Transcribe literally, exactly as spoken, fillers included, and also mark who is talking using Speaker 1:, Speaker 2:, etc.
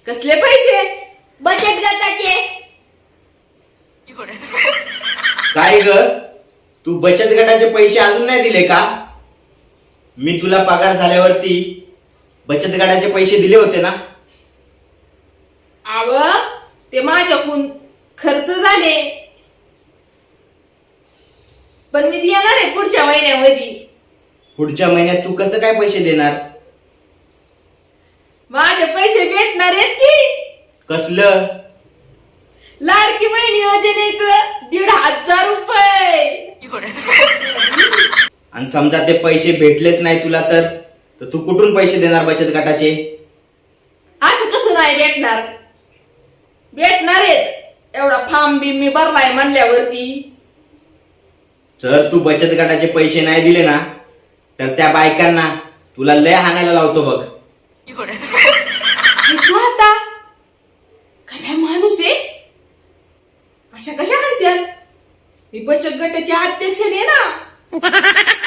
Speaker 1: कसले पैसे?
Speaker 2: बचत गटाचे.
Speaker 3: काय ग, तू बचत गटाचे पैसे अजून नाही दिले का? मी तुला पगार झाल्यावरती बचत गटाचे पैसे दिले होते ना.
Speaker 1: आव ते माझ्याकडून खर्च झाले, पण मी देणार आहे पुढच्या महिन्यामध्ये.
Speaker 3: पुढच्या महिन्यात तू कसं काय पैसे देणार?
Speaker 1: माझे पैसे भेटणार आहेत की.
Speaker 3: कसलं?
Speaker 1: लाडकी बहीण योजनेचं दीड हजार रुपये.
Speaker 3: आणि समजा ते पैसे भेटलेच नाही तुला तर तर तू कुठून पैसे देणार बचत गटाचे?
Speaker 1: असं कसं नाही भेटणार? भेटणार आहेत. एवढा फॉर्म बी मी भरलाय म्हणल्यावरती.
Speaker 3: जर तू बचत गटाचे पैसे नाही दिले ना तर त्या बायकांना तुला लय हाणायला लावतो बघ.
Speaker 1: ऐकू आता, काय माणूस आहे? अशा कशा म्हणतात? मी बचत गटाचे अध्यक्ष आहे ना.